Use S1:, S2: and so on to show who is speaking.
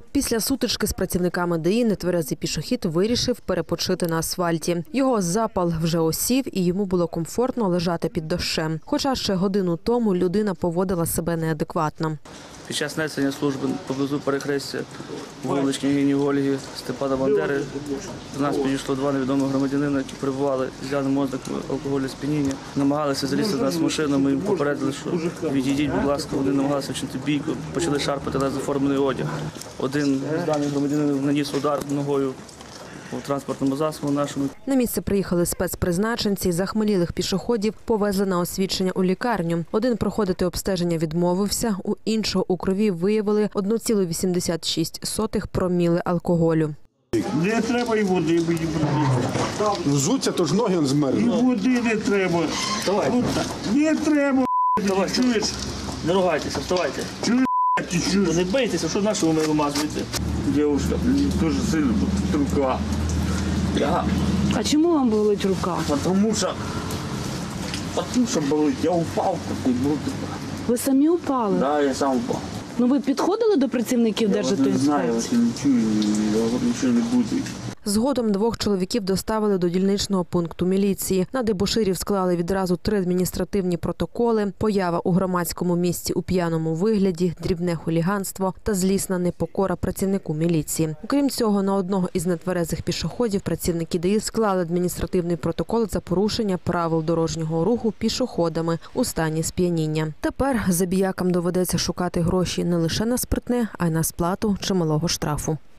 S1: Після сутички з працівниками ДАІ нетверезий пішохід вирішив перепочити на асфальті. Його запал вже осів і йому було комфортно лежати під дощем. Хоча ще годину тому людина поводила себе неадекватно.
S2: Під час несення служби поблизу перехрестя вулиць княгині Ольги, Степана Бандери до нас підійшло два невідомих громадянина, які перебували з явним ознаками алкогольного сп'яніння. Намагалися залізти до нас в машину, ми їм попередили, що відійдіть, будь ласка, вони намагалися вчинити бійку, почали шарпати нас заформлений одяг. Один з даних громадянинів наніс удар ногою у транспортному засобу нашому.
S1: На місце приїхали спецпризначенці, захмелілих пішоходів повезли на освідчення у лікарню. Один проходити обстеження відмовився, у іншого у крові виявили 1,86 проміли алкоголю.
S3: Не треба і води мені брати.
S4: Взуться, то ж ноги змерзли.
S3: І води не треба.
S2: Давай.
S3: Не треба,
S2: Давай.
S3: чуєш?
S2: Не ругайтеся, вставайте.
S3: Чуєш, ти чуєш?
S2: Не бийтеся, що нашого ми вимазуєте.
S3: Дівчинка, мені дуже сильно тут рука.
S5: А чому вам болить рука?
S3: Тому що болить. Я упав такий був.
S5: Ви самі упали?
S3: Да, я сам упав.
S5: Ну ви підходили до працівників
S3: Я не знаю,
S5: Держатоінспекції?
S3: я не чую, я нічого не буду.
S1: Згодом двох чоловіків доставили до дільничного пункту міліції. На дебоширів склали відразу 3 адміністративні протоколи: поява у громадському місці у п'яному вигляді, дрібне хуліганство та злісна непокора працівнику міліції. Окрім цього, на одного із нетверезих пішоходів працівники ДАІ склали адміністративний протокол за порушення правил дорожнього руху пішоходами у стані сп'яніння. Тепер забіякам доведеться шукати гроші не лише на спиртне, а й на сплату чималого штрафу.